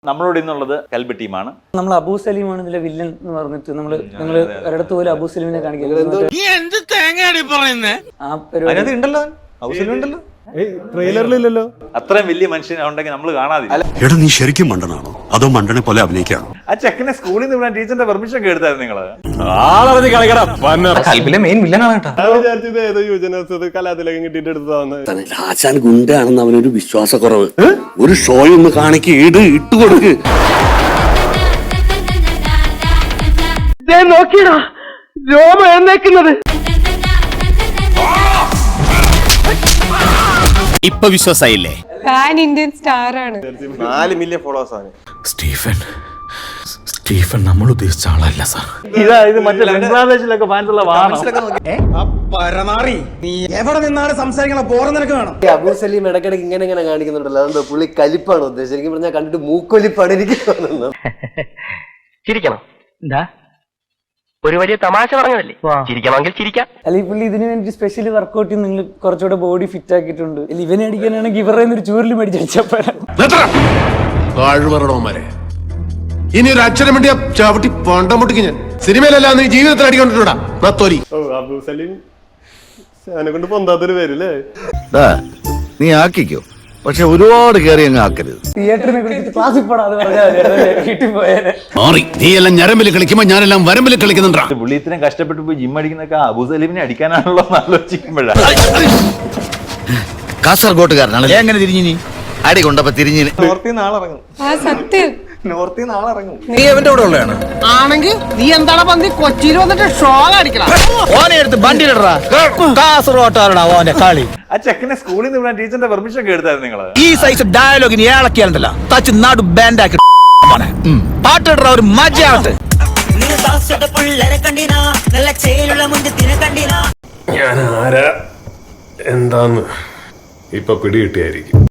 നമ്മളോട് ഇന്നുള്ളത് കൽബ് ടീമാണ്. നമ്മൾ അബൂ സലീമാണ് ഇതിലെ വില്ലൻ എന്ന് പറഞ്ഞിട്ട് നിങ്ങൾ ഒരിടത്ത് പോലെ അബൂ സലീമിനെ കാണിക്കുന്നത്. ആ പരിപാടി ഉണ്ടല്ലോ, അബൂ സലീം ഉണ്ടല്ലോ, ട്രെയിലറിലില്ലല്ലോ. അത്രയും വലിയ മനുഷ്യനുണ്ടെങ്കിൽ നമ്മൾ കാണാതില്ല. എടാ നീ ശരിക്കും മണ്ടനാണോ അതോ മണ്ടനെ പോലെ അഭിനയിക്കാണോ? ആ ചെക്കനെ സ്കൂളിൽ നിന്ന് വിടാൻ ടീച്ചറിന്റെ പെർമിഷൻ ഒക്കെ എടുത്തായിരുന്നു നിങ്ങള്. കൽബിലെ മെയിൻ വില്ലനാണ് കേട്ടോ. ഞാൻ വിചാരിച്ചത് ഏതോ യുവജനോത്സവത്തിൽ കലാതിലകം കിട്ടിയിട്ട് എടുത്തതാണ്. ആശാൻ ഗുണ്ടാണെന്ന് അവനൊരു വിശ്വാസക്കുറവ്. ഒരു ഷോ ഒന്ന് കാണിക്ക്, ഇട്ട് കൊടുക്ക്. നോക്കിയടാ രോമ എന്നേക്കുന്നത്. ഇപ്പൊ വിശ്വാസായില്ലേ? പാൻ ഇന്ത്യൻ സ്റ്റാർ ആണ്. 4 മില്യൺ ഫോളോവേഴ്സ് ആണ്. സ്റ്റീഫൻ നമ്മൾ ഉദ്ദേശിച്ച ആളല്ല സാർ. ഇത് മറ്റേ ബംഗ്ലാദേശിലൊക്കെ ഫാൻസുള്ള വാഹനം. നീ എവിടെ നിന്നാണ് സംസാരിക്കണ പോറ നിനക്ക് വേണം. അബൂ സലീം ഇടയ്ക്കിടയ്ക്ക് ഇങ്ങനെ കാണിക്കുന്നുണ്ടല്ലോ, അതുകൊണ്ട് പുള്ളി കലിപ്പാണ് ഉദ്ദേശിച്ചത്. എനിക്ക് പറഞ്ഞാൽ കണ്ടിട്ട് മൂക്കൊലിപ്പാണ് എനിക്ക് തോന്നുന്നത്. ചിരിക്കണം. എന്താ ഒരു വലിയ തമാശ പറഞ്ഞതല്ലേ, ചിരിക്കണമെങ്കിൽ ചിരിക്കാം. അല്ലെങ്കിൽ പുള്ളി ഇതിന് വേണ്ടി സ്പെഷ്യൽ വർക്ക്ഔട്ട് ചെയ്ത് നിങ്ങൾ കുറച്ചുകൂടെ ബോഡി ഫിറ്റ് ആക്കിയിട്ടുണ്ട്. ഇവനെ അടിക്കാനാണെങ്കിൽ ഇവരുടെ ഒരു ചൂരിൽ മേടിച്ചപ്പോഴാണ്. ഇനി ഒരു അക്ഷരം വേണ്ടിയ ചവിട്ടി പണ്ടമുട്ടിക്ക് ഞാൻ സിനിമയിലല്ല നീ ജീവിതത്തിൽ അടിക്കൊണ്ടിട്ടാ. അബൂ സലീം എന്നെ കൊണ്ട് പൊന്താത്തൊരു പേരല്ലേ. നീ ആക്കിക്കോ, പക്ഷെ ഒരുപാട് കയറി അങ്ങ് ആക്കരുത്. തിയേറ്ററിനെ കുറിച്ച് ക്ലാസ്സിൽ പോടാതെ പറഞ്ഞാൽ വീട്ടിൽ പോയാലേ. നീ എല്ലാം ഞരമ്പിൽ കളിക്കുമ്പോ ഞാനെല്ലാം വരമ്പിൽ കളിക്കുന്നുണ്ടാ. പുള്ളി ഇത്രയും കഷ്ടപ്പെട്ട് പോയി ജിം അടിക്കുന്നൊക്കെ അബൂ സലീമിനെ അടിക്കാനാണല്ലോ എന്ന് ആലോചിക്കുമ്പോഴാണ്. കാസർഗോട്ടുകാരനാണ് എങ്ങനെ തിരിഞ്ഞു? നീ അടി കൊണ്ടപ്പോ തിരിഞ്ഞു. നോർത്തിൽ നാളെ ഇറങ്ങും. ആ സത്യം. നോർത്തിൽ നാളെ ഇറങ്ങും. നീ അവന്റെ കൂടെ ഉള്ളതാണ് ആണെങ്കിൽ നീ എന്താണ് പന്തി കൊച്ചിയിൽ വന്നിട്ട് ഷോ അടിക്കണം. ഓനെ എടുത്ത് വണ്ടിയിലടാ. കാസർഗോട്ടാരടാ ഓന്റെ കളി. ആ ചെക്കനെ സ്കൂളിൽ നിന്ന് വിടാൻ ടീച്ചറിന്റെ പെർമിഷൻ ഒക്കെ എടുത്തായിരുന്നു നിങ്ങള്. ഈ സൈസ് ഡയലോഗിന് ഏളക്കിയാലുണ്ടല്ലോ തച്ച് നാട് ബാൻഡാക്കി പാട്ടിട ഒരു മജയാവട്ടെ. ഞാൻ ആരാ എന്താന്ന് ഇപ്പൊ പിടികിട്ടിയായിരിക്കും.